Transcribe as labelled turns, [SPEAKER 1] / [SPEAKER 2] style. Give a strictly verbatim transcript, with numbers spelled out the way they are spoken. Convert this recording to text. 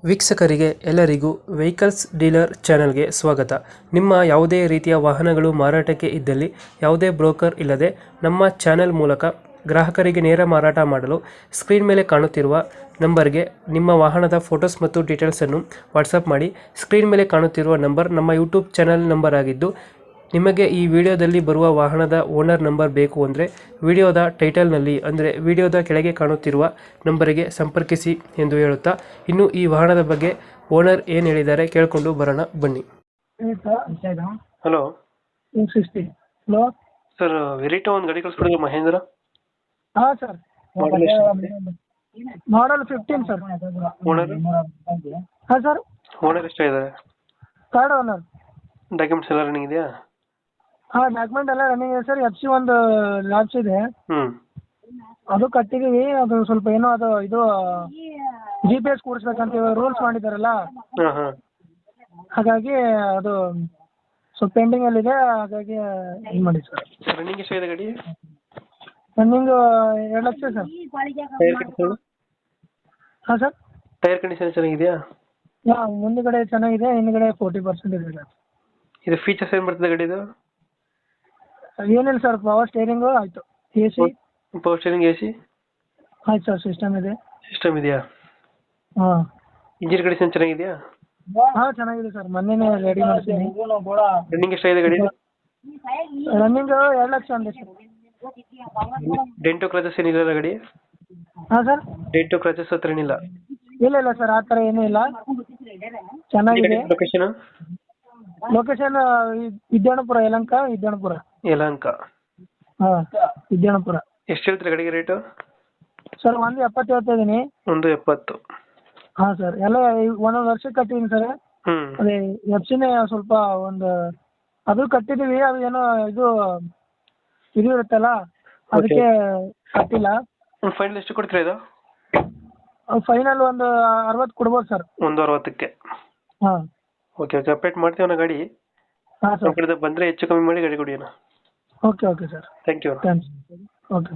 [SPEAKER 1] ವೀಕ್ಷಕರಿಗೆ ಎಲ್ಲರಿಗೂ vehicles dealer ಚಾನೆಲ್ಗೆ ಸ್ವಾಗತ. ನಿಮ್ಮ ಯಾವುದೇ ರೀತಿಯ ವಾಹನಗಳು ಮಾರಾಟಕ್ಕೆ ಇದ್ದಲ್ಲಿ ಯಾವುದೇ ಬ್ರೋಕರ್ ಇಲ್ಲದೆ ನಮ್ಮ ಚಾನೆಲ್ ಮೂಲಕ ಗ್ರಾಹಕರಿಗೆ ನೇರ ಮಾರಾಟ ಮಾಡಲು ಸ್ಕ್ರೀನ್ ಮೇಲೆ ಕಾಣುತ್ತಿರುವ ನಂಬರ್ಗೆ ನಿಮ್ಮ ವಾಹನದ ಫೋಟೋಸ್ ಮತ್ತು ಡೀಟೇಲ್ಸನ್ನು ವಾಟ್ಸಪ್ ಮಾಡಿ. ಸ್ಕ್ರೀನ್ ಮೇಲೆ ಕಾಣುತ್ತಿರುವ ನಂಬರ್ ನಮ್ಮ ಯೂಟ್ಯೂಬ್ ಚಾನೆಲ್ ನಂಬರ್ ಆಗಿದ್ದು, ನಿಮಗೆ ಈ ವಿಡಿಯೋದಲ್ಲಿ ಬರುವ ವಾಹನದ ಓನರ್ ನಂಬರ್ ಬೇಕು ಅಂದರೆ ವಿಡಿಯೋದ ಟೈಟಲ್ನಲ್ಲಿ ಅಂದರೆ ವಿಡಿಯೋದ ಕೆಳಗೆ ಕಾಣುತ್ತಿರುವ ನಂಬರಿಗೆ ಸಂಪರ್ಕಿಸಿ ಎಂದು ಹೇಳುತ್ತಾ, ಇನ್ನು ಈ ವಾಹನದ ಬಗ್ಗೆ ಓನರ್ ಏನು ಹೇಳಿದ್ದಾರೆ ಕೇಳಿಕೊಂಡು ಬರೋಣ ಬನ್ನಿ. ಹಲೋ
[SPEAKER 2] ಹಲೋ
[SPEAKER 1] ಸರ್, ವೆರಿಟೋ ಒಂದು ಗಾಡಿ ಕಳಿಸ್ಬಿಡಿದ್ರು ಮಹೇಂದ್ರ.
[SPEAKER 2] ಹಾಂ sir, model fifteen sir.
[SPEAKER 1] Owner
[SPEAKER 2] ಹಾಂ ಸರ್,
[SPEAKER 1] ಓನರ್ ಎಷ್ಟಾಗಿದ್ದಾರೆ?
[SPEAKER 2] Third owner.
[SPEAKER 1] ಡಾಕ್ಯುಮೆಂಟ್ಸ್ ಎಲ್ಲ ರನ್ನಿಂಗ್ ಇದೆಯಾ?
[SPEAKER 2] ಹಾಂ, ಡಾಕ್ಯುಮೆಂಟ್ ಎಲ್ಲ ರನ್ನಿಂಗ್ ಇದೆ ಸರ್. ಎಫ್ ಸಿ ಒಂದು ಲ್ಯಾಬ್ಸ್ ಇದೆ,
[SPEAKER 1] ಹ್ಞೂ
[SPEAKER 2] ಅದು ಕಟ್ಟಿದೀವಿ. ಅದು ಸ್ವಲ್ಪ ಏನೋ ಅದು ಇದು ಜಿ ಪಿ ಎಸ್ ಕೂಡಿಸ್ಬೇಕಂತ ರೂಲ್ಸ್ ಮಾಡಿದಾರಲ್ಲ,
[SPEAKER 1] ಹಾಂ ಹಾಂ
[SPEAKER 2] ಹಾಗಾಗಿ ಅದು ಸ್ವಲ್ಪ ಪೆಂಡಿಂಗಲ್ಲಿದೆ. ಹಾಗಾಗಿ ಇದು ಮಾಡಿ ಸರ್.
[SPEAKER 1] ರನ್ನಿಂಗ್ ಎಷ್ಟಾಗಿದೆ ಗಾಡಿ?
[SPEAKER 2] ರನ್ನಿಂಗ್ ಎರಡು ಲಕ್ಷ ಸರ್.
[SPEAKER 1] ಟೈರ್ ಕಂಡೀಷನ್
[SPEAKER 2] ಹಾಂ ಸರ್,
[SPEAKER 1] ಟೈರ್ ಕಂಡೀಷನ್ ಚೆನ್ನಾಗಿದೆಯಾ?
[SPEAKER 2] ಹಾಂ, ಮುಂದುಗಡೆ ಚೆನ್ನಾಗಿದೆ, ಹಿಂದುಗಡೆ ಫೋರ್ಟಿ ಪರ್ಸೆಂಟ್ ಇದೆ ಸರ್.
[SPEAKER 1] ಇದು ಫೀಚರ್ಸ್ ಏನು ಬರ್ತದೆ ಗಾಡಿದು?
[SPEAKER 2] ಏನಿಲ್ಲ ಸರ್, ಪವರ್ ಸ್ಟೇರಿಂಗು ಆಯಿತು, A C
[SPEAKER 1] power steering, A C
[SPEAKER 2] ಆಯ್ತು ಸರ್, ಸಿಸ್ಟಮ್ ಇದೆ.
[SPEAKER 1] ಸಿಸ್ಟಮ್ ಇದೆಯಾ?
[SPEAKER 2] ಹಾಂ,
[SPEAKER 1] ಇಂಜಿನ್ ಕಂಡೀಷನ್ ಚೆನ್ನಾಗಿದೆಯಾ?
[SPEAKER 2] ಹಾಂ ಚೆನ್ನಾಗಿದೆ ಸರ್, ಮೊನ್ನೆನೇ ರೆಡಿ ಮಾಡ್ತೀನಿ.
[SPEAKER 1] ರನ್ನಿಂಗ್ ಎಷ್ಟಾಗಿದೆ ಗಾಡಿ?
[SPEAKER 2] ರನ್ನಿಂಗ್ ಎರಡು ಲಕ್ಷ ಅಂದೆ ಸರ್.
[SPEAKER 1] ಡೆಂಟೋ ಕ್ರಾಚಸ್ ಏನಿಲ್ಲ ಗಾಡಿ?
[SPEAKER 2] ಹಾಂ ಸರ್,
[SPEAKER 1] ಡೆಂಟೋ ಕ್ರಾಚಸ್ ಹತ್ರ ಏನಿಲ್ಲ?
[SPEAKER 2] ಇಲ್ಲ ಇಲ್ಲ ಸರ್, ಆ ಥರ ಏನೂ ಇಲ್ಲ, ಚೆನ್ನಾಗಿದೆ.
[SPEAKER 1] ಲೊಕೇಶನ್?
[SPEAKER 2] ಲೊಕೇಶನ್ ವಿದ್ಯಾಣಪುರ, ಯಲಹಂಕ ವಿದ್ಯಾಣಪುರ.
[SPEAKER 1] ಯಲಹಂಕ.
[SPEAKER 2] ಹಾಂ, ವಿದ್ಯಾಣಪುರ.
[SPEAKER 1] ಎಷ್ಟು ಹೇಳ್ತೀರಿ ಗಾಡಿಗೆ ರೇಟು?
[SPEAKER 2] ಸರ್ ಒಂದು ಎಪ್ಪತ್ತು ಹೇಳ್ತಾ ಇದ್ದೀನಿ.
[SPEAKER 1] ಒಂದು ಎಪ್ಪತ್ತು.
[SPEAKER 2] ಹಾಂ ಸರ್, ಎಲ್ಲ ಒಂದೊಂದು ವರ್ಷಕ್ಕೆ ಕಟ್ಟಿದ್ದೀನಿ ಸರ್.
[SPEAKER 1] ಹ್ಞೂ
[SPEAKER 2] ಅದೇ ಎಫ್ ಸಿನೇ ಸ್ವಲ್ಪ ಒಂದು ಅದು ಕಟ್ಟಿದ್ದೀವಿ, ಅದು ಏನೋ ಇದು ಇದು ಇರುತ್ತಲ್ಲ, ಅದಕ್ಕೆ ಕಟ್ಟಿಲ್ಲ.
[SPEAKER 1] ಫೈನಲ್ ಎಷ್ಟು ಕೊಡ್ತೀರಾ ಇದು?
[SPEAKER 2] ಫೈನಲ್ ಒಂದು ಅರವತ್ತು ಕೊಡ್ಬೋದು ಸರ್.
[SPEAKER 1] ಒಂದು ಅರವತ್ತಕ್ಕೆ?
[SPEAKER 2] ಹಾಂ,
[SPEAKER 1] ಓಕೆ ಓಕೆ, ಅಪ್ಡೇಟ್ ಮಾಡ್ತೀವಿ ಗಾಡಿ.
[SPEAKER 2] ಹಾಂ
[SPEAKER 1] ನಮ್ಮ
[SPEAKER 2] ಸರ್,
[SPEAKER 1] ಕಡೆಯಿಂದ ಬಂದರೆ ಹೆಚ್ಚು ಕಮ್ಮಿ ಮಾಡಿ ಗಾಡಿ ಕೊಡಿ ಅಣ್ಣ.
[SPEAKER 2] Okay okay sir,
[SPEAKER 1] thank you.
[SPEAKER 2] Thanks. Okay.